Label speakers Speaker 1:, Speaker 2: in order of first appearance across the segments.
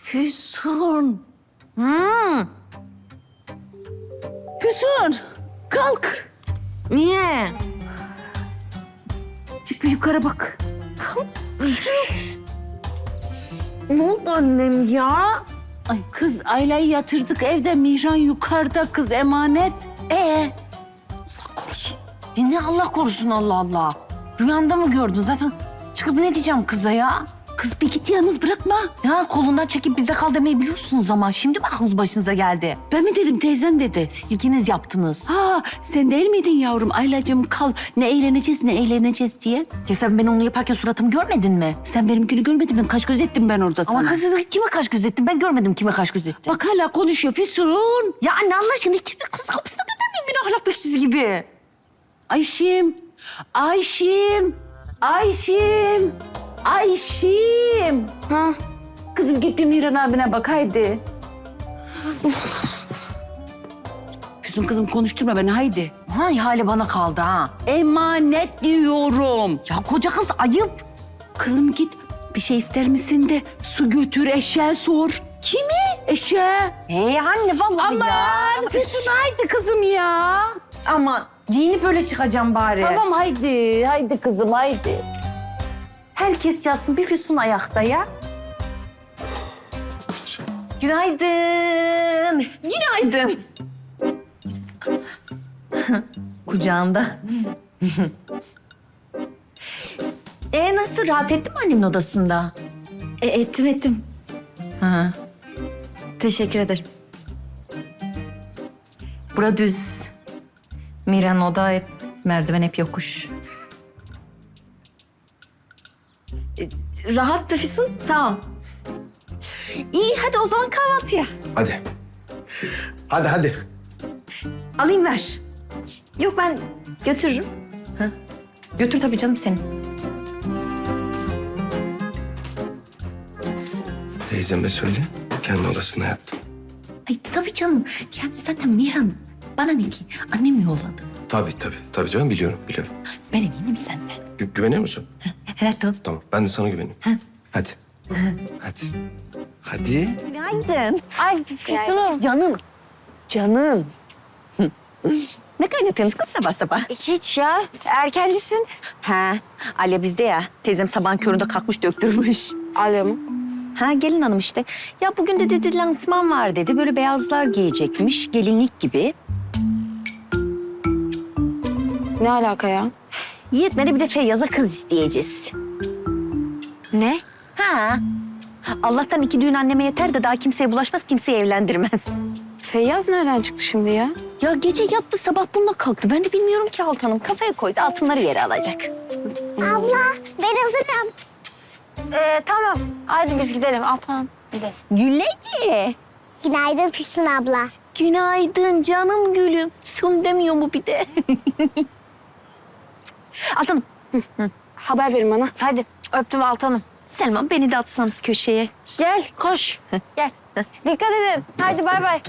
Speaker 1: Füsun.
Speaker 2: Hmm.
Speaker 1: Füsun. Kalk.
Speaker 2: Niye?
Speaker 1: Çık bir yukarı bak.
Speaker 2: Ne oldu annem ya?
Speaker 1: Ay kız Ayla'yı yatırdık evde. Mihran yukarıda kız emanet.
Speaker 2: Allah korusun. Ya ne Allah korusun Allah Allah. Rüyanda mı gördün zaten? Çıkıp ne diyeceğim kıza ya?
Speaker 1: Kız bir git yalnız bırakma.
Speaker 2: Ya kolundan çekip bizde kal demeyi biliyorsunuz ama şimdi mi aklınız başınıza geldi?
Speaker 1: Ben mi dedim teyzen dedi.
Speaker 2: Siz ikiniz yaptınız.
Speaker 1: Ha sen değil miydin yavrum? Aylacığım kal ne eğleneceğiz diye.
Speaker 2: Ya sen ben onu yaparken suratımı görmedin mi?
Speaker 1: Sen benimkini görmedin mi? Kaç göz ettim ben orada sana.
Speaker 2: Ama kız kime kaş göz ettin? Ben görmedim kime kaş göz ettin.
Speaker 1: Bak hala konuşuyor Füsun.
Speaker 2: Ya anne Allah aşkına ikisi kız kapısına göndermeyin beni ahlak bekçisi gibi.
Speaker 1: Ayşim. Ayşim. Ayşim. Ayşim.
Speaker 2: Ha?
Speaker 1: Kızım git bir Mihran abine bak haydi. Füsun kızım konuşturma beni haydi.
Speaker 2: Ha ihale bana kaldı ha.
Speaker 1: Emanet diyorum.
Speaker 2: Ya koca kız ayıp.
Speaker 1: Kızım git bir şey ister misin de su götür eşeğe sor.
Speaker 2: Kimi?
Speaker 1: Eşeğe.
Speaker 2: Anne vallahi ya.
Speaker 1: Aman Füsun haydi kızım ya.
Speaker 2: Aman giyinip öyle çıkacağım bari.
Speaker 1: Tamam haydi. Haydi kızım haydi.
Speaker 2: Herkes yatsın bir Füsun ayakta ya. Günaydın. Günaydın. Kucağında. Nasıl rahat ettin mi annemin odasında?
Speaker 3: Ettim.
Speaker 2: Hı.
Speaker 3: Teşekkür ederim.
Speaker 2: Bura düz. Miran oda hep merdiven hep yokuş.
Speaker 3: Rahattı Füsun, sağ ol.
Speaker 2: İyi hadi o zaman kahvaltıya.
Speaker 4: Hadi. Hadi.
Speaker 2: Alayım ver.
Speaker 3: Yok ben götürürüm.
Speaker 2: Götür tabii canım seni.
Speaker 4: Teyzeme söyle. Kendi odasında yattı.
Speaker 2: Ay tabii canım. Yani zaten Miran bana ne ki? Annem yolladı.
Speaker 4: Tabii canım biliyorum.
Speaker 2: Ben eminim senden.
Speaker 4: Güveniyor musun?
Speaker 2: Herhalde.
Speaker 4: Tamam ben de sana güveniyorum. Hadi. Hadi.
Speaker 2: Günaydın. Ay Füsun'um. Canım. Ne kaynatıyorsunuz kız sabah sabah?
Speaker 3: Hiç ya, erkencisin.
Speaker 2: Alya bizde ya. Teyzem sabahın köründe kalkmış döktürmüş.
Speaker 3: Alya mı?
Speaker 2: Gelin hanım işte. Ya bugün de dedi lansman var dedi. Böyle beyazlar giyecekmiş. Gelinlik gibi.
Speaker 3: Ne alaka ya?
Speaker 2: Yetmedi bir de Feyyaz'a kız isteyeceğiz.
Speaker 3: Ne?
Speaker 2: Allah'tan 2 düğün anneme yeter de daha kimseye bulaşmaz, kimseyi evlendirmez.
Speaker 3: Feyyaz nereden çıktı şimdi ya?
Speaker 2: Ya gece yattı sabah bununla kalktı. Ben de bilmiyorum ki Altan'ım. Kafaya koydu altınları yere alacak.
Speaker 5: Abla ben hazırım.
Speaker 3: Tamam, hadi biz gidelim Altan. Gidelim.
Speaker 2: Güleci.
Speaker 5: Günaydın Füsun abla.
Speaker 2: Günaydın canım gülüm. Sun demiyor mu bir de? Altan'ım.
Speaker 3: Haber verin bana. Hadi, öptüm Altan'ım.
Speaker 2: Selman beni de atsanız köşeye.
Speaker 3: Gel, koş. Gel. Dikkat edin. Hadi bay bay.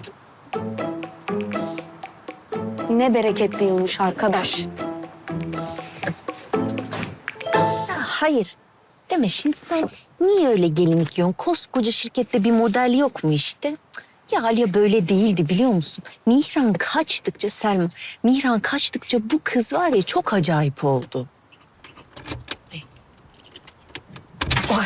Speaker 3: Ne bereketli yılmış arkadaş.
Speaker 2: Hayır. Deme şimdi sen niye öyle gelinlik yiyorsun? Koskoca şirkette bir model yok mu işte? Ya Aliye böyle değildi biliyor musun? Mihran kaçtıkça bu kız var ya çok acayip oldu. Ay.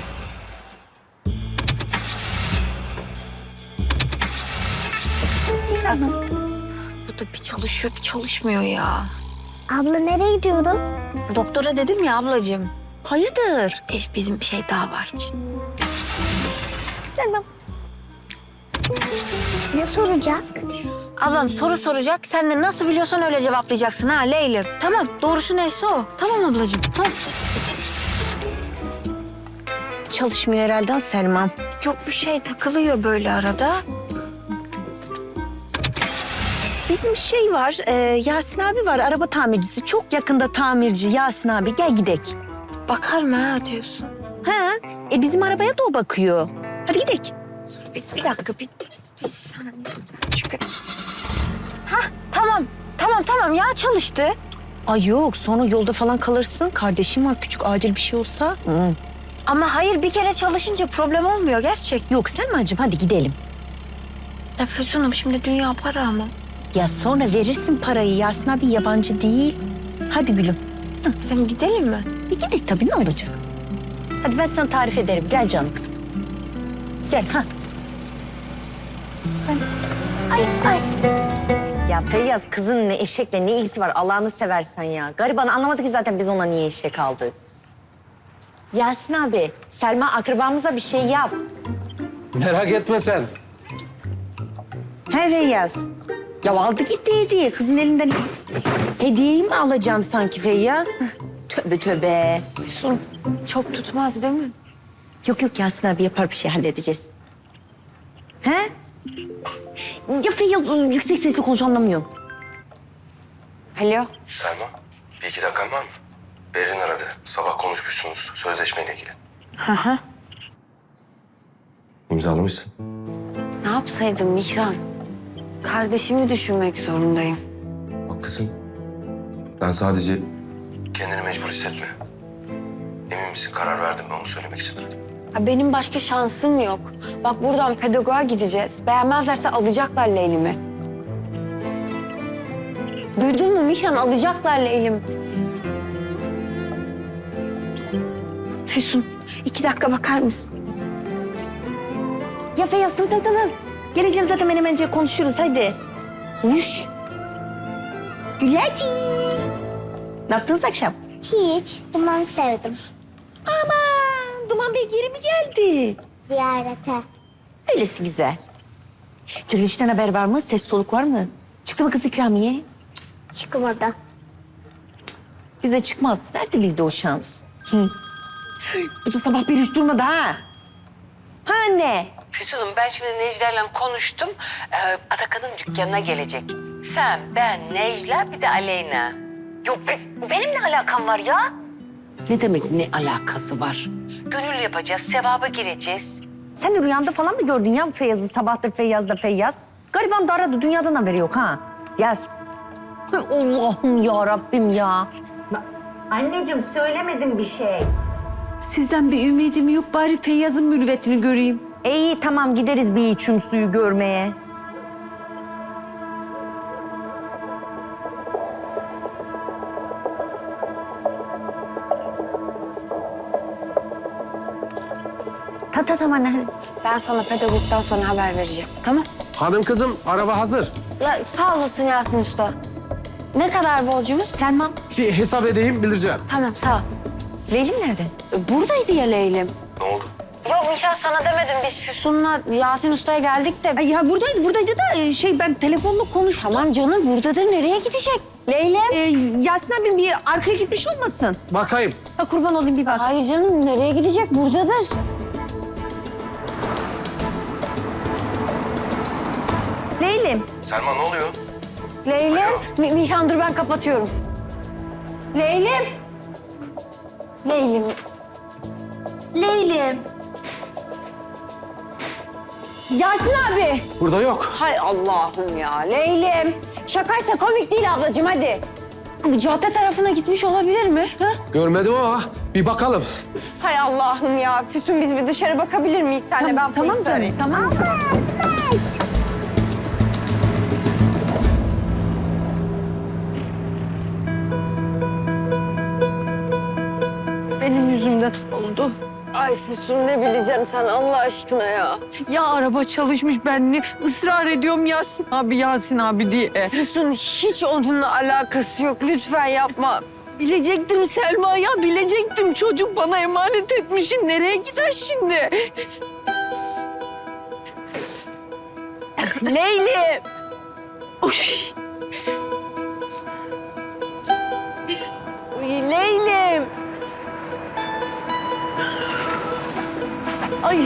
Speaker 3: Bu da bir çalışıyor, bir çalışmıyor ya.
Speaker 5: Abla nereye gidiyoruz?
Speaker 3: Doktora dedim ya ablacığım.
Speaker 2: Hayırdır?
Speaker 3: Bizim şey dava için.
Speaker 2: Selman.
Speaker 5: Ne soracak?
Speaker 3: Ablam soru soracak. Sen de nasıl biliyorsan öyle cevaplayacaksın ha Leylim. Tamam, doğrusu neyse o. Tamam ablacığım. Ha.
Speaker 2: Çalışmıyor herhalde Selman.
Speaker 3: Yok bir şey takılıyor böyle arada.
Speaker 2: Bizim şey var, Yasin abi var, araba tamircisi. Çok yakında tamirci Yasin abi. Gel gidek.
Speaker 3: Bakar mı ha diyorsun?
Speaker 2: Bizim arabaya da o bakıyor. Hadi gidek.
Speaker 3: Bir dakika, bir saniye. Çünkü... Tamam ya çalıştı.
Speaker 2: Ay yok, sonra yolda falan kalırsın. Kardeşim var, küçük acil bir şey olsa.
Speaker 3: Ama hayır, bir kere çalışınca problem olmuyor gerçek.
Speaker 2: Yok Selma'cığım hadi gidelim.
Speaker 3: Ya Füsun'um, şimdi dünya para ama.
Speaker 2: Ya sonra verirsin parayı. Yasin abi yabancı değil. Hadi gülüm.
Speaker 3: Sen gidelim mi?
Speaker 2: Bir gidelim tabii, ne olacak? Hadi ben sana tarif ederim. Gel canım. Gel ha. Sen... Ay. Ya Feyyaz, kızın ne eşekle ne ilgisi var Allah'ını seversen ya. Gariban anlamadı ki zaten biz ona niye eşek aldık. Yasin abi, Selma akrabamıza bir şey yap.
Speaker 6: Merak etme sen.
Speaker 2: He Feyyaz. Ya aldı gitti hediye. Kızın elinden hediyeyi mi alacağım sanki Feyyaz? Tövbe tövbe.
Speaker 3: Füsun, çok tutmaz değil mi?
Speaker 2: Yok Yasin abi yapar, bir şey halledeceğiz. He? Ya Feyyaz yüksek sesle konuş, anlamıyorum.
Speaker 3: Alo.
Speaker 4: Selma, bir iki dakikan var mı? Berin aradı. Sabah konuşmuşsunuz sözleşmeyle ilgili.
Speaker 3: Hı.
Speaker 4: İmzalamışsın.
Speaker 3: Ne yapsaydım Mihran? Kardeşimi düşünmek zorundayım.
Speaker 4: Haklısın. Ben sadece... Kendini mecbur hissetme. Emin misin? Karar verdim mi? Onu söylemek için aradım.
Speaker 3: Ya benim başka şansım yok. Bak buradan pedagoğa gideceğiz. Beğenmezlerse alacaklar Leylim'i. Duydun mu Mihran? Alacaklar Leylim. Füsun, 2 dakika bakar mısın?
Speaker 2: Ya Feyyaz tamam. Geleceğim zaten, menemence konuşuruz hadi. Uş. Güleci. Ne yaptınız akşam?
Speaker 5: Hiç. Dumanı sevdim.
Speaker 2: Aman Duman Bey geri mi geldi?
Speaker 5: Ziyarete.
Speaker 2: Öylesi güzel. Çekilişten haber var mı? Ses soluk var mı? Çıktı mı kız ikramiye?
Speaker 5: Çıkmadı.
Speaker 2: Bize çıkmaz. Nerede bizde o şans? Bu da sabah bir hiç durmadı ha. Ha anne.
Speaker 7: Füsun'um, ben şimdi Necla'yla konuştum. Atakan'ın dükkanına gelecek. Sen, ben, Necla, bir de Aleyna. Yok, benim ne alakam var ya?
Speaker 2: Ne demek ne alakası var?
Speaker 7: Gönül yapacağız, sevaba gireceğiz.
Speaker 2: Sen de rüyanda falan mı gördün ya Feyyaz'ı? Sabahtır Feyyaz'da Feyyaz. Gariban da aradı, dünyadan haberi yok ha. Yaz. Hay Allah'ım ya Rabbim ya. Anneciğim söylemedim bir şey.
Speaker 1: Sizden bir ümidim yok, bari Feyyaz'ın mürüvvetini göreyim.
Speaker 2: İyi tamam, gideriz bir içim suyu görmeye. Tamam anne.
Speaker 3: Ben sana pedagogdan sonra haber vereceğim. Tamam?
Speaker 6: Hanım kızım, araba hazır.
Speaker 3: Ya sağ olasın Yasin Usta. Ne kadar borcumuz?
Speaker 2: Selma,
Speaker 6: Bir hesap edeyim, bildireceğim.
Speaker 3: Tamam, sağ ol.
Speaker 2: Leylim nerede?
Speaker 3: Buradaydı ya Leylim.
Speaker 4: Ne oldu?
Speaker 3: Yok Mihran, sana demedim, biz Füsun'la Yasin Usta'ya geldik de.
Speaker 2: Ay ya buradaydı da ben telefonla konuştum.
Speaker 3: Tamam canım, buradadır. Nereye gidecek? Leylim.
Speaker 2: Yasin abim bir arkaya gitmiş olmasın?
Speaker 6: Bakayım.
Speaker 2: Ha, kurban olayım bir bak.
Speaker 3: Hayır canım, nereye gidecek? Buradadır.
Speaker 2: Leylim.
Speaker 4: Selma ne oluyor?
Speaker 3: Leylim.
Speaker 4: Alo.
Speaker 3: Mihran dur, ben kapatıyorum. Leylim. Leylim.
Speaker 2: Leylim. Yasin abi.
Speaker 6: Burada yok.
Speaker 3: Hay Allah'ım ya. Leylim. Şakaysa komik değil ablacığım, hadi. Bu cadde tarafına gitmiş olabilir mi? Ha?
Speaker 6: Görmedim ama bir bakalım.
Speaker 3: Hay Allah'ım ya. Füsun, biz bir dışarı bakabilir miyiz senle? Ben
Speaker 2: Tamam
Speaker 3: polisi
Speaker 2: canım,
Speaker 3: arayayım.
Speaker 2: tamam.
Speaker 1: Benim yüzümden oldu.
Speaker 3: Ay Füsun, ne bileceksin sen Allah aşkına ya.
Speaker 1: Ya araba çalışmış, ben ne ısrar ediyorum Yasin abi diye.
Speaker 3: Füsun, hiç onunla alakası yok. Lütfen yapma.
Speaker 1: Bilecektim Selma ya, bilecektim. Çocuk bana emanet etmişsin. Nereye gider şimdi? Leyli. Uş. Leylim. Ay.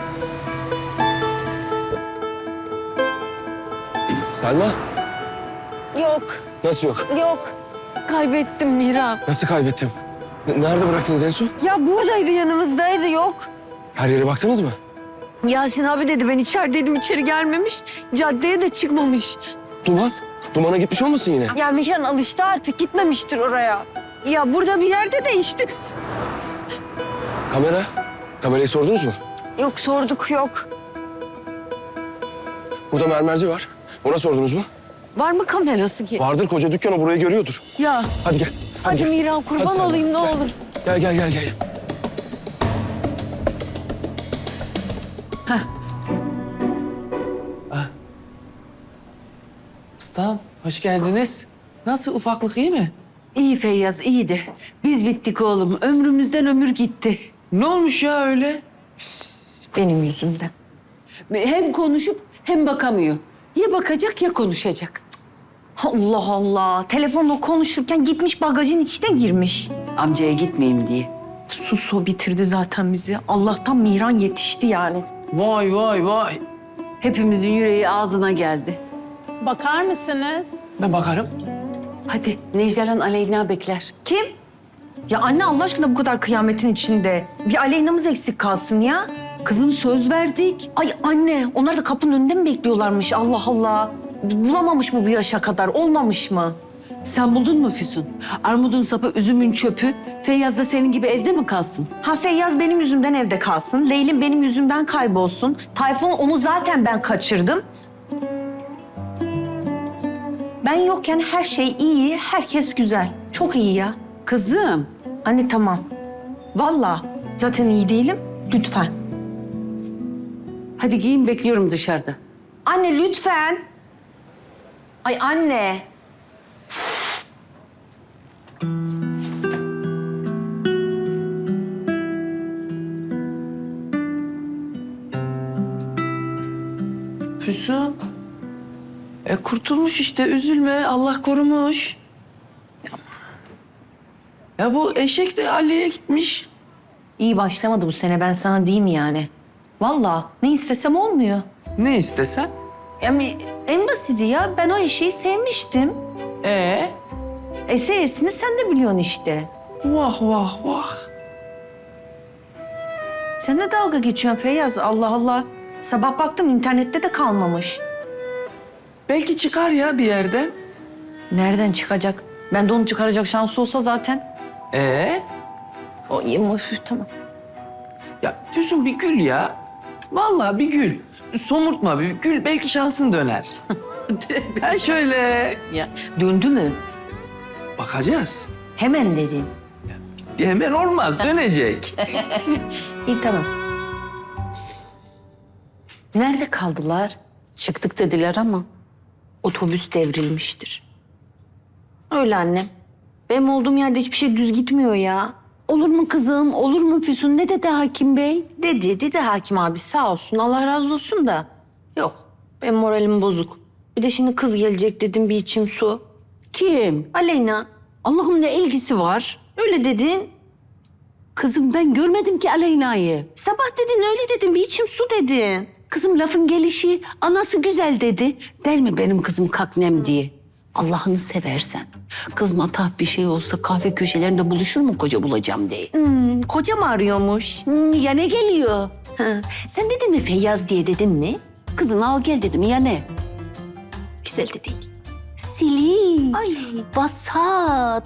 Speaker 6: Selma,
Speaker 3: Yok,
Speaker 6: nasıl yok?
Speaker 3: yok.
Speaker 1: Kaybettim Miran.
Speaker 6: Nasıl kaybettim? Nerede bıraktınız en son?
Speaker 3: Ya buradaydı, yanımızdaydı, yok.
Speaker 6: Her yere baktınız mı?
Speaker 1: Yasin abi dedi, ben içerideydim, içeri gelmemiş. Caddeye de çıkmamış.
Speaker 6: Duman? Duman'a gitmiş olmasın yine?
Speaker 3: Ya Mihran alıştı artık, gitmemiştir oraya.
Speaker 1: Ya burada bir yerde de işte.
Speaker 6: Kamera? Kamerayı sordunuz mu?
Speaker 3: Yok sorduk yok.
Speaker 6: Burada mermerci var. Ona sordunuz mu?
Speaker 1: Var mı kamerası ki?
Speaker 6: Vardır, koca dükkan o, burayı görüyordur.
Speaker 1: Ya
Speaker 6: Hadi gel.
Speaker 1: hadi
Speaker 6: gel.
Speaker 1: Miran kurban
Speaker 6: Hadi sen de.
Speaker 1: olayım ne olur.
Speaker 6: Gel gel gel gel.
Speaker 8: Ustam, hoş geldiniz. Nasıl, ufaklık iyi mi?
Speaker 1: İyi Feyyaz iyiydi. Biz bittik oğlum. Ömrümüzden ömür gitti.
Speaker 8: Ne olmuş ya öyle?
Speaker 1: Benim yüzümden. Hem konuşup hem bakamıyor. Ya bakacak ya konuşacak.
Speaker 2: Allah Allah. Telefonla konuşurken gitmiş bagajın içine girmiş.
Speaker 1: Amcaya gitmeyeyim diye.
Speaker 2: Sus o bitirdi zaten bizi. Allah'tan Mihran yetişti yani.
Speaker 8: Vay vay vay.
Speaker 1: Hepimizin yüreği ağzına geldi.
Speaker 9: Bakar mısınız?
Speaker 8: Ben bakarım.
Speaker 1: Hadi Necda'yla Aleyna bekler.
Speaker 2: Kim? Ya anne Allah aşkına bu kadar kıyametin içinde. Bir Aleyna'mız eksik kalsın ya.
Speaker 1: Kızım söz verdik.
Speaker 2: Ay anne onlar da kapının önünde mi bekliyorlarmış Allah Allah. Bulamamış mı bu yaşa kadar? Olmamış mı?
Speaker 1: Sen buldun mu Füsun? Armudun sapı, üzümün çöpü. Feyyaz da senin gibi evde mi kalsın?
Speaker 2: Ha Feyyaz benim yüzümden evde kalsın. Leylim benim yüzümden kaybolsun. Tayfun onu zaten ben kaçırdım. Ben yokken her şey iyi, herkes güzel. Çok iyi ya.
Speaker 1: Kızım.
Speaker 2: Anne tamam. Vallahi zaten iyi değilim. Lütfen.
Speaker 1: Hadi giyin bekliyorum dışarıda.
Speaker 2: Anne lütfen. Ay anne.
Speaker 8: Füsun. Kurtulmuş işte, üzülme. Allah korumuş. Ya bu eşek de Ali'ye gitmiş.
Speaker 2: İyi başlamadı bu sene ben sana diyeyim yani. Vallahi ne istesem olmuyor.
Speaker 8: Ne istesen?
Speaker 2: Yani en basiti ya ben o eşeği sevmiştim. Esesini sen de biliyorsun işte.
Speaker 8: Vah vah vah.
Speaker 2: Sen de dalga geçiyorsun Feyyaz Allah Allah. Sabah baktım internette de kalmamış.
Speaker 8: Belki çıkar ya bir yerden.
Speaker 2: Nereden çıkacak? Ben de onu çıkaracak şansı olsa zaten. O iyi mi? Üf, tamam.
Speaker 8: Ya Füsun bir gül ya. Vallahi bir gül. Somurtma bir gül, belki şansın döner. Ha şöyle.
Speaker 2: Ya döndü mü?
Speaker 8: Bakacağız.
Speaker 2: Hemen dedin.
Speaker 8: Hemen olmaz, dönecek.
Speaker 2: İyi tamam. Nerede kaldılar?
Speaker 1: Çıktık dediler ama.
Speaker 2: Otobüs devrilmiştir. Öyle annem. Benim olduğum yerde hiçbir şey düz gitmiyor ya.
Speaker 1: Olur mu kızım, olur mu Füsun? Ne dedi hakim bey?
Speaker 2: Dedi hakim abi sağ olsun Allah razı olsun da. Yok benim moralim bozuk. Bir de şimdi kız gelecek dedim bir içim su.
Speaker 1: Kim?
Speaker 2: Aleyna
Speaker 1: Allah'ım ne ilgisi var?
Speaker 2: öyle dedin.
Speaker 1: Kızım ben görmedim ki Aleyna'yı.
Speaker 2: Sabah dedin öyle dedin bir içim su dedin.
Speaker 1: Kızım lafın gelişi, anası güzel dedi. Der mi benim kızım kaknem diye? Allah'ını seversen. Kız matah bir şey olsa kahve köşelerinde buluşur mu koca bulacağım diye.
Speaker 2: Koca mı arıyormuş?
Speaker 1: Ya ne geliyor?
Speaker 2: Ha, sen dedin mi Feyyaz diye dedin mi?
Speaker 1: Kızını al gel dedim ya ne?
Speaker 2: Güzel de değil.
Speaker 1: Sili.
Speaker 2: Ay
Speaker 1: Basat.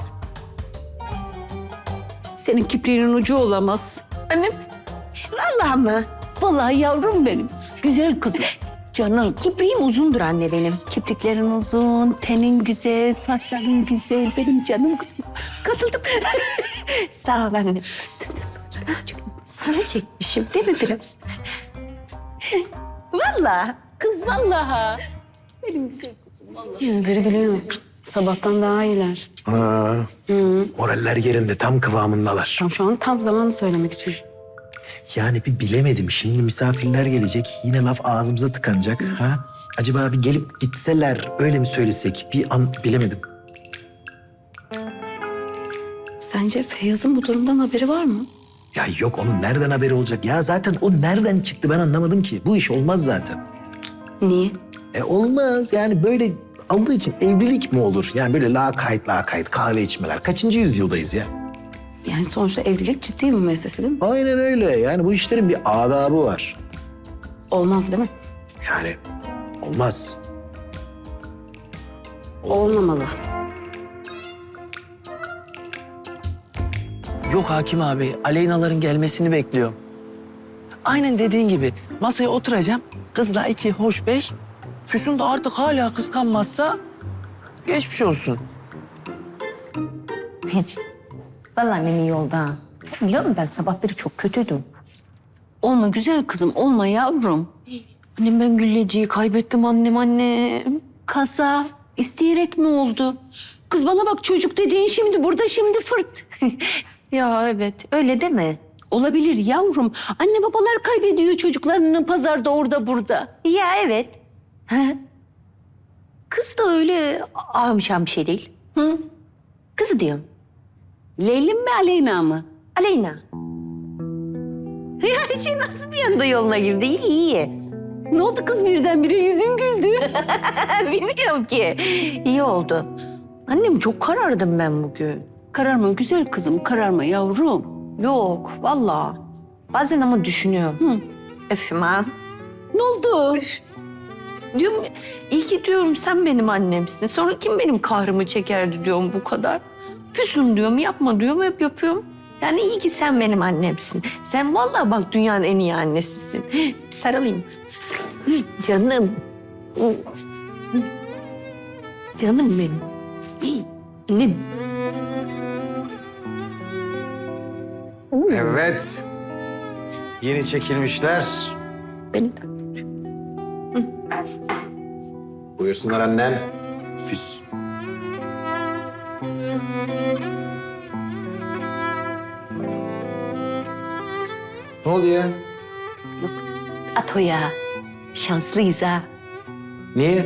Speaker 1: Senin kipriğinin ucu olamaz.
Speaker 2: annem. Vallahi mı?
Speaker 1: Vallahi yavrum benim. Güzel kızım. Canım.
Speaker 2: Kipriğim uzundur anne benim.
Speaker 1: Kipriklerin uzun, tenin güzel, saçların güzel. Benim canım kızım. Katıldım.
Speaker 2: Sağ ol anne.
Speaker 1: Sen de saçın canım.
Speaker 2: Sana çekmişim değil mi biraz? Vallahi.
Speaker 1: Kız vallahi. Benim güzel kızım vallahi.
Speaker 9: Yüzleri gülüyor. Sabahtan daha iyiler.
Speaker 10: Ha. Moraller yerinde, tam kıvamındalar.
Speaker 9: Şu an tam zamanı söylemek için.
Speaker 10: Yani bir bilemedim. Şimdi misafirler gelecek. Yine laf ağzımıza tıkanacak. Ha? Acaba bir gelip gitseler öyle mi söylesek? Bir an bilemedim.
Speaker 9: Sence Feyyaz'ın bu durumdan haberi var mı?
Speaker 10: Ya yok, onun nereden haberi olacak? Ya zaten o nereden çıktı ben anlamadım ki. Bu iş olmaz zaten.
Speaker 9: Niye?
Speaker 10: Olmaz yani, böyle aldığı için evlilik mi olur? Yani böyle lakayt kahve içmeler. Kaçıncı yüzyıldayız ya?
Speaker 9: Yani sonuçta evlilik ciddi bir meselesi değil mi?
Speaker 10: Aynen öyle. Yani bu işlerin bir adabı var.
Speaker 9: Olmaz değil mi?
Speaker 10: Yani olmaz.
Speaker 9: Olmamalı.
Speaker 8: Yok hakim abi, Aleyna'ların gelmesini bekliyorum. aynen dediğin gibi masaya oturacağım. Kızla 2, hoş 5. Füsun da artık hala kıskanmazsa geçmiş olsun.
Speaker 2: Vallahi annem iyi oldu ha. Biliyor musun ben sabahları çok kötüydüm.
Speaker 1: Olma güzel kızım, olma yavrum.
Speaker 2: Annem ben Gülleci'yi kaybettim annem.
Speaker 1: Kaza isteyerek mi oldu? Kız bana bak, çocuk dediğin şimdi burada şimdi fırt.
Speaker 2: Ya evet öyle deme.
Speaker 1: Olabilir yavrum. Anne babalar kaybediyor çocuklarını pazarda orada burada.
Speaker 2: Ya evet. Kız da öyle ahımşan bir şey değil.
Speaker 1: Hı?
Speaker 2: Kızı diyorum.
Speaker 1: Leylim mi Aleyna mı?
Speaker 2: Aleyna. Her şey nasıl bir anda yoluna girdi? İyi iyi.
Speaker 1: Ne oldu kız birdenbire yüzün güldü?
Speaker 2: Bilmiyorum ki. İyi oldu. Annem çok karardım ben bugün.
Speaker 1: Kararma güzel kızım, kararma yavrum.
Speaker 2: Yok vallahi. Bazen ama düşünüyorum. Öfüm
Speaker 1: Ne oldu?
Speaker 2: Diyorum iyi ki diyorum sen benim annemsin. Sonra kim benim kahrımı çekerdi diyorum bu kadar. Füsun diyorum yapma diyorum hep yapıyorum. Yani iyi ki sen benim annemsin. Sen vallahi bak dünyanın en iyi annesisin. Bir sarılayım. Canım. Canım benim. İyi. Annem.
Speaker 10: Evet. Yeni çekilmişler.
Speaker 2: Benim.
Speaker 10: Buyursunlar annen. Füs. Ne oldu ya?
Speaker 2: At o ya. Şanslıyız ha.
Speaker 10: Niye?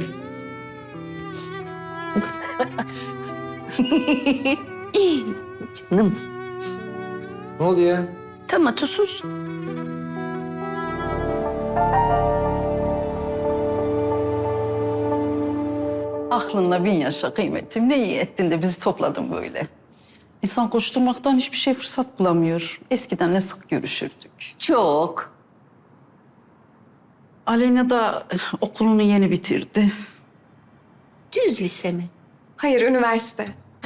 Speaker 2: Canım.
Speaker 10: Ne oldu ya?
Speaker 2: Tamam sus.
Speaker 11: Aklınla bin yaşa kıymetim. Ne iyi ettin de bizi topladın böyle. İnsan koşturmaktan hiçbir şey fırsat bulamıyor. Eskiden ne sık görüşürdük.
Speaker 1: Çok.
Speaker 11: Aleyna da okulunu yeni bitirdi.
Speaker 2: Düz lise mi?
Speaker 3: Hayır, üniversite.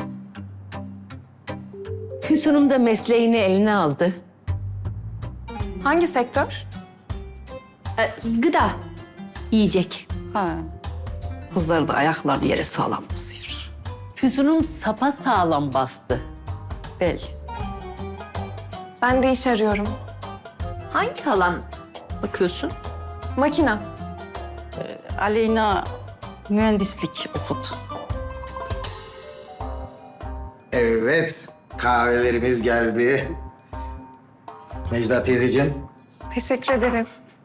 Speaker 1: Füsun'um da mesleğini eline aldı.
Speaker 3: Hangi sektör?
Speaker 2: Gıda. Yiyecek.
Speaker 11: Ha. Kızlar da ayaklarını yere sağlam basıyor.
Speaker 1: Füsun'um sapa sağlam bastı.
Speaker 11: Belli.
Speaker 3: Ben de iş arıyorum.
Speaker 2: Hangi alan bakıyorsun?
Speaker 3: Makina.
Speaker 11: Aleyna mühendislik okudu.
Speaker 10: Evet. Kahvelerimiz geldi. Necla teyzeciğim.
Speaker 3: Teşekkür ederiz.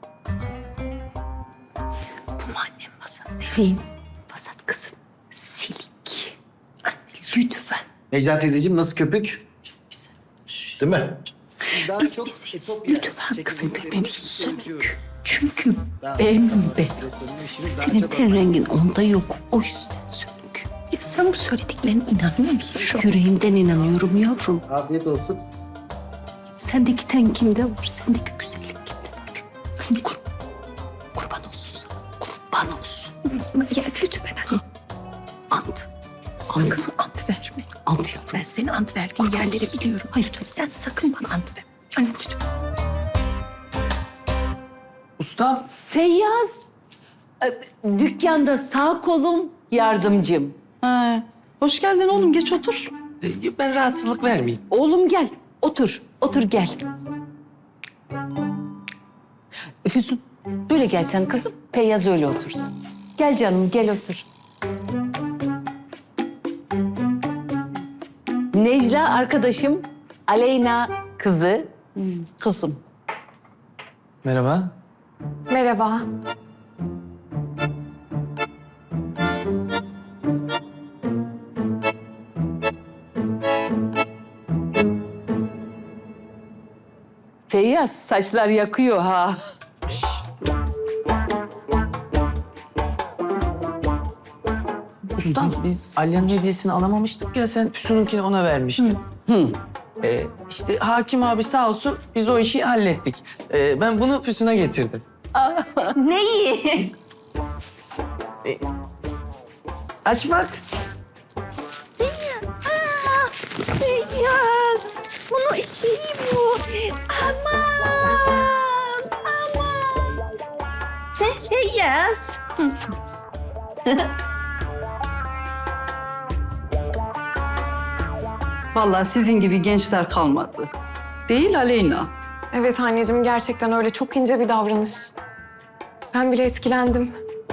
Speaker 2: Bu mu annem Basat dediğin? Basat kızım. Silik. Anne lütfen.
Speaker 10: Necla teyzeciğim nasıl köpük? Çok güzel. Değil mi?
Speaker 2: Biz bizeyiz. Lütfen kızım köpeğimsin sönük. Çünkü bembeyaz.
Speaker 1: Senin ten rengin onda yok. O yüzden sönük.
Speaker 2: Ya sen bu söylediklerine inanıyor musun şu an?
Speaker 1: Yüreğimden inanıyorum yavrum.
Speaker 10: Afiyet olsun.
Speaker 1: Sendeki ten kimde var? Sendeki güzellik kimde var? Hani kurban olsun sana. Kurban olsun.
Speaker 2: Ya lütfen anne.
Speaker 1: Ant.
Speaker 2: Sakın ant verme.
Speaker 1: Ant yavrum.
Speaker 2: Ben senin ant verdiğin yerleri biliyorum. Hayır sen sakın bana ant ver. Anne lütfen.
Speaker 8: Ustam.
Speaker 1: Feyyaz. Dükkanda sağ kolum, yardımcım.
Speaker 11: Ha. Hoş geldin oğlum, geç otur.
Speaker 8: Ben rahatsızlık vermeyeyim.
Speaker 1: Oğlum gel. Otur. Otur gel. Füsun böyle gelsen kızım. Feyyaz öyle otursun. Gel canım gel otur. Necla arkadaşım. Aleyna kızı.
Speaker 11: Kızım.
Speaker 8: Merhaba.
Speaker 3: Merhaba.
Speaker 1: Feyyaz saçlar yakıyor ha.
Speaker 8: Ustam biz Alya'nın hediyesini alamamıştık ya, sen Füsun'unkini ona vermiştin. İşte hakim abi sağ olsun biz o işi hallettik. Ben bunu Füsun'a getirdim.
Speaker 2: Neyi?
Speaker 8: Aç bak.
Speaker 2: Beyaz. Bunun şeyi bu. Aman. Feyyaz.
Speaker 11: Vallahi sizin gibi gençler kalmadı. Değil Aleyna.
Speaker 12: Evet anneciğim gerçekten öyle çok ince bir davranış. Ben bile etkilendim.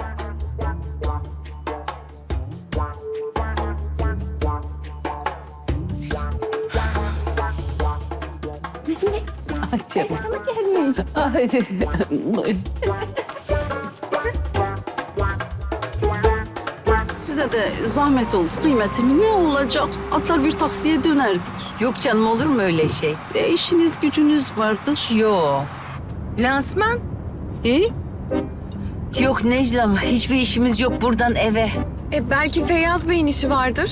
Speaker 1: Ay canım. Ay,
Speaker 11: Size de zahmet oldu kıymetim. Ne olacak? Atlar bir taksiye dönerdik.
Speaker 1: Yok canım, olur mu öyle şey?
Speaker 11: İşiniz gücünüz vardır.
Speaker 1: Yok.
Speaker 2: Lansman.
Speaker 1: Yok Necla'm, hiçbir işimiz yok buradan eve.
Speaker 12: Belki Feyyaz Bey'in işi vardır.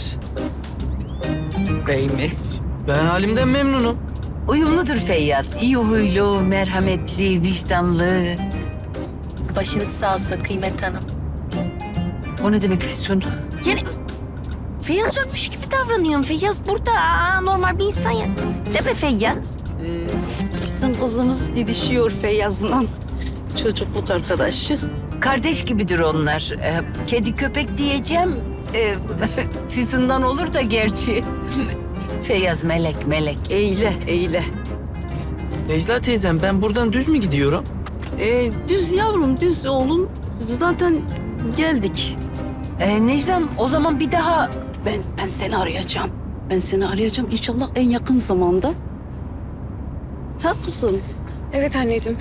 Speaker 8: Bey mi? Ben halimden memnunum.
Speaker 1: Uyumludur Feyyaz. İyi huylu, merhametli, vicdanlı.
Speaker 3: Başınız sağ olsun Kıymet Hanım.
Speaker 1: O ne demek Füsun?
Speaker 3: Yani Feyyaz ölmüş gibi davranıyorsun. Feyyaz burada normal bir insan ya. Değil mi Feyyaz?
Speaker 11: Bizim kızımız didişiyor Feyyaz'la. Çocukluk arkadaşı.
Speaker 1: Kardeş gibidir onlar. Kedi köpek diyeceğim. Füsun'dan olur da gerçi. Feyyaz melek, melek.
Speaker 11: Eyle, eyle.
Speaker 8: Necla teyzem ben buradan düz mü gidiyorum?
Speaker 11: Düz yavrum, düz oğlum. Zaten geldik.
Speaker 1: Necla'm, o zaman bir daha...
Speaker 11: Ben seni arayacağım. Ben seni arayacağım inşallah en yakın zamanda. Ha kızım?
Speaker 12: Evet anneciğim.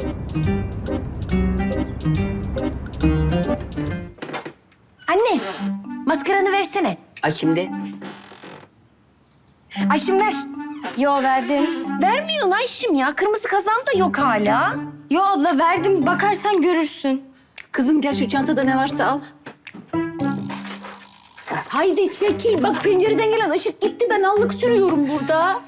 Speaker 2: Anne, maskaranı versene.
Speaker 1: Ay şimdi.
Speaker 2: Ayşim ver.
Speaker 3: Yo verdim.
Speaker 2: Vermiyorsun Ayşim ya. Kırmızı kazağım da yok hala.
Speaker 3: Yo abla verdim. Bakarsan görürsün.
Speaker 1: Kızım gel şu çantada ne varsa al. Haydi çekil. Bak pencereden gelen ışık gitti. Ben allık sürüyorum burada.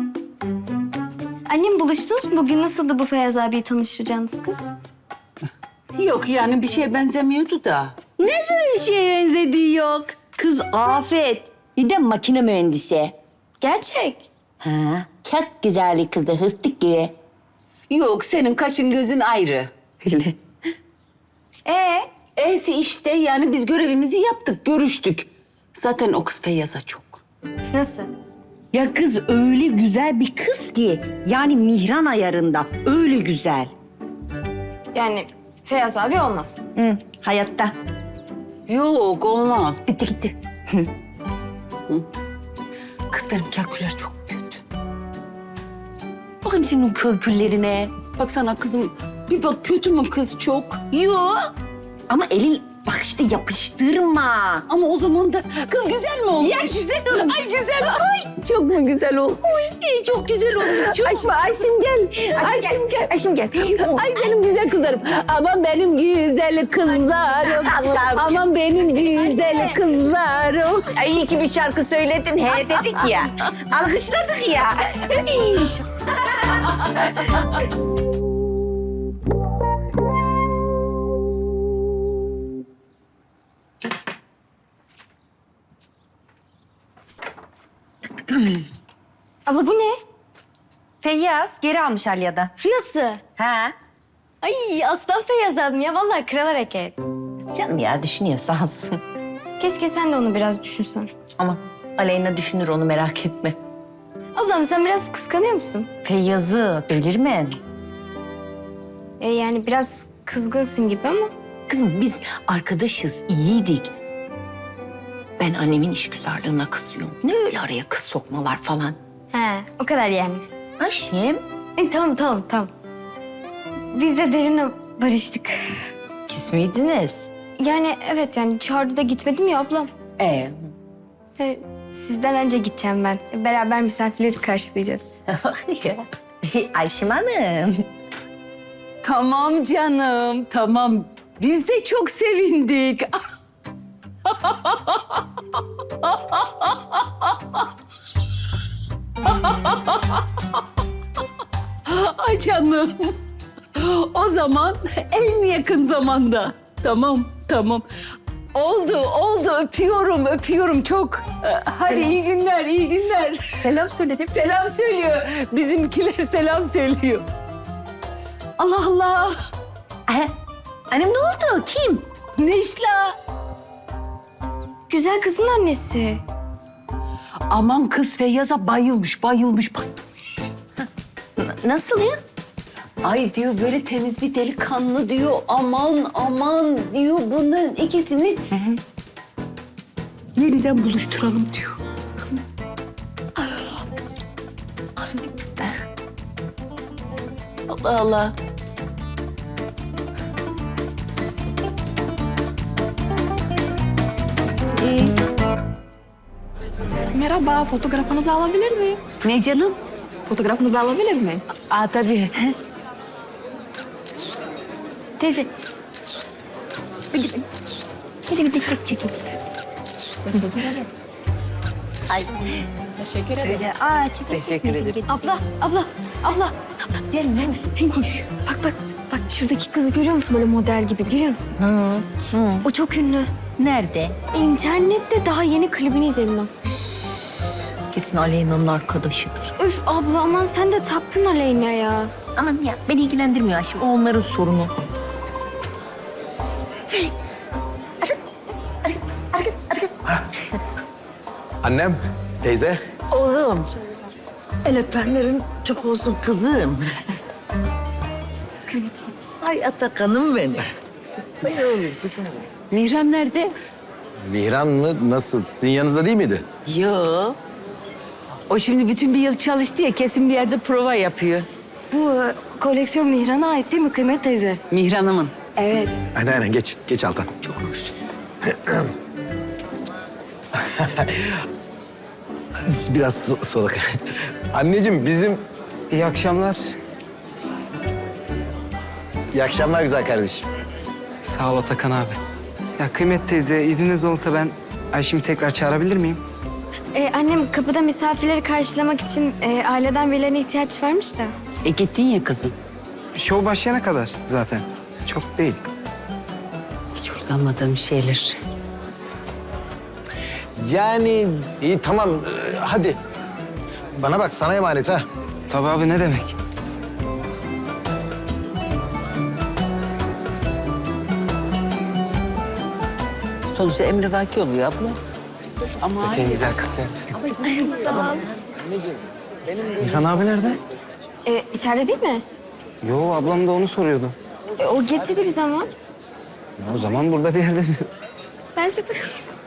Speaker 5: Annem buluştunuz mu? Bugün nasıldı bu Feyyaz abiyi tanıştıracağınız kız?
Speaker 1: Yok yani bir şeye benzemiyordu da.
Speaker 2: Bir şeye benzediği yok. Kız afet. Bir de makine mühendisi.
Speaker 5: Gerçek.
Speaker 2: Ha, çok güzel bir kızı hıstık gibi.
Speaker 1: Yok senin kaşın gözün ayrı. Öyle. E'si işte yani biz görevimizi yaptık, görüştük. Zaten o kız Feyyaz'a çok.
Speaker 5: Nasıl?
Speaker 2: Ya kız öyle güzel bir kız ki. Yani mihran ayarında. Öyle güzel.
Speaker 5: Yani Feyyaz abi olmaz.
Speaker 2: Hı, hayatta.
Speaker 1: Yok olmaz. Bitti gitti. Hı. Kız benim kalküler çok kötü.
Speaker 2: Bakın senin köküllerine.
Speaker 1: Baksana kızım bir bak kötü mü kız çok?
Speaker 2: Yok. Ama elin bak işte yapıştırma.
Speaker 1: Ama o zaman da kız güzel mi olmuş?
Speaker 2: Ya güzel olmuş.
Speaker 1: Ay güzel. Ay çok mu güzel olmuş?
Speaker 2: Çok güzel olmuş. Çok.
Speaker 1: Ayşim gel. Ayşim gel.
Speaker 2: Ayşim gel.
Speaker 1: Ay benim güzel kızlarım. Aman benim güzel kızlarım.
Speaker 2: Allah'ım.
Speaker 1: Aman benim güzel kızlarım.
Speaker 2: Ay iyi ki bir şarkı söyledin. He dedik ya. Alkışladık ya.
Speaker 5: Abla bu ne?
Speaker 2: Feyyaz geri almış Alya'da.
Speaker 5: Nasıl?
Speaker 2: Ha?
Speaker 5: Ay aslan Feyyaz abim ya. Vallahi kral hareket.
Speaker 2: Canım ya düşünüyor sağ olsun.
Speaker 5: Keşke sen de onu biraz düşünsen.
Speaker 2: Ama Aleyna düşünür onu merak etme.
Speaker 5: Ablam sen biraz kıskanıyor musun?
Speaker 2: Feyyaz'ı belirme.
Speaker 5: Yani biraz kızgınsın gibi ama.
Speaker 2: Kızım biz arkadaşız, iyiydik. Ben annemin işgüzarlığına kızıyorum. Ne öyle araya kız sokmalar falan.
Speaker 5: He o kadar yani.
Speaker 2: Ayşem.
Speaker 5: Tamam. Biz de Derin'le barıştık.
Speaker 2: Küs müydünüz?
Speaker 5: Yani evet yani çağırdı da gitmedim ya ablam. Sizden önce gideceğim ben. Beraber misafirleri karşılayacağız.
Speaker 2: Ayşem Hanım.
Speaker 1: Tamam canım, tamam. Biz de çok sevindik. Ay canım. O zaman en yakın zamanda. Tamam. Oldu. Öpüyorum çok. Hadi iyi günler.
Speaker 2: Selam söyledim.
Speaker 1: Selam söylüyor. Bizimkiler selam söylüyor. Allah Allah.
Speaker 2: Annem ne oldu? Kim?
Speaker 1: Necla.
Speaker 5: Güzel kızın annesi.
Speaker 1: Aman kız Feyyaz'a bayılmış, bayılmış.
Speaker 2: Nasıl ya?
Speaker 1: Ay diyor böyle temiz bir delikanlı diyor. Aman aman diyor bunların ikisini yeniden buluşturalım diyor.
Speaker 2: Allah Allah.
Speaker 12: Merhaba, fotoğrafınızı alabilir miyim?
Speaker 1: Ne canım?
Speaker 12: Fotoğrafınızı alabilir miyim?
Speaker 1: Aa tabii.
Speaker 2: Teyze.
Speaker 5: Hadi bir dikkat çekin.
Speaker 12: Teşekkür ederim.
Speaker 2: Teşekkür ederim.
Speaker 5: Abla. Gelin. Koş. Bak şuradaki kızı görüyor musun böyle model gibi görüyor musun? O çok ünlü.
Speaker 2: Nerede?
Speaker 5: İnternette daha yeni klibini izledim ben.
Speaker 2: Kesin Aleyna'nın arkadaşıdır.
Speaker 5: Öf abla aman sen de taktın Aleyna ya.
Speaker 2: Aman ya beni ilgilendirmiyor Ayşem. O onların sorunu.
Speaker 10: Annem, teyze.
Speaker 2: Oğlum. El öpenlerin çok olsun kızım. Ay Atakan'ım benim.
Speaker 1: Mihran nerede?
Speaker 10: Mihran mı? Nasıl? Sizin yanınızda değil miydi?
Speaker 2: Yo.
Speaker 1: O şimdi bütün bir yıl çalıştı ya kesin bir yerde prova yapıyor.
Speaker 3: Bu koleksiyon Mihran'a ait değil mi Kıymet teyze?
Speaker 1: Mihran'ımın.
Speaker 3: Evet.
Speaker 10: Aynen geç. Geç Altan. Çok hoş. Biraz soluk. Anneciğim bizim...
Speaker 8: İyi akşamlar.
Speaker 10: İyi akşamlar güzel kardeşim.
Speaker 8: Sağ ol Atakan abi. Ya Kıymet teyze izniniz olsa ben Ayşem'i tekrar çağırabilir miyim?
Speaker 5: Annem kapıda misafirleri karşılamak için aileden birilerine ihtiyaç varmış da.
Speaker 1: Gittin ya kızım.
Speaker 8: Şov başlayana kadar zaten. Çok değil.
Speaker 1: Hiç hoşlanmadığım şeyler.
Speaker 10: Yani iyi tamam hadi. Bana bak sana emanet ha.
Speaker 8: Tabii abi ne demek?
Speaker 1: Sonuçta emrivaki oluyor abla. Ama
Speaker 8: En güzel kız Mihran abi nerede?
Speaker 5: İçeride değil mi?
Speaker 8: Yo ablam da onu soruyordu.
Speaker 5: O getirdi bizi ama.
Speaker 8: O zaman burada bir yerde.
Speaker 5: Bence de.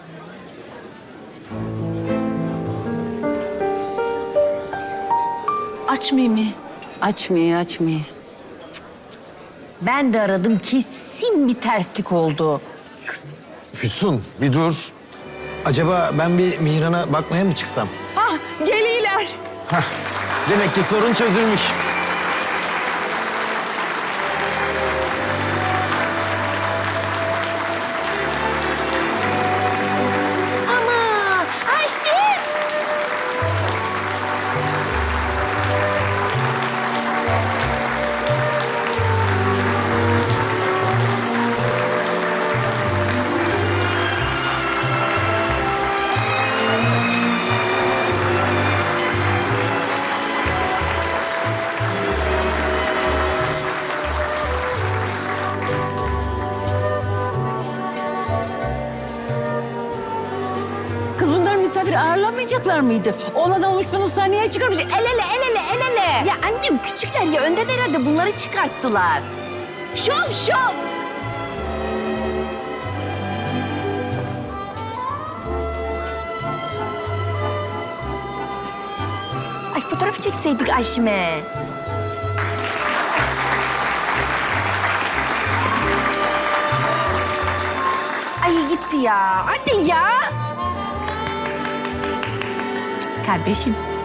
Speaker 2: Açmayayım mı?
Speaker 1: açmıyor.
Speaker 2: Ben de aradım. Kesin bir terslik oldu.
Speaker 10: Füsun bir dur. Acaba ben bir Mihran'a bakmaya mı çıksam?
Speaker 2: Geliyorlar.
Speaker 10: Demek ki sorun çözülmüş.
Speaker 2: Ama Ayşe.
Speaker 1: Kız bunlar misafir ağırlamayacaklar mıydı? Olan olmuş bunu sahneye çıkarmış. El ele.
Speaker 2: Ya annem küçükler ya önden herhalde bunları çıkarttılar.
Speaker 1: Şov.
Speaker 2: Ay fotoğrafı çekseydik Ayşem'e. Ay gitti ya. Anne ya. Kardeşim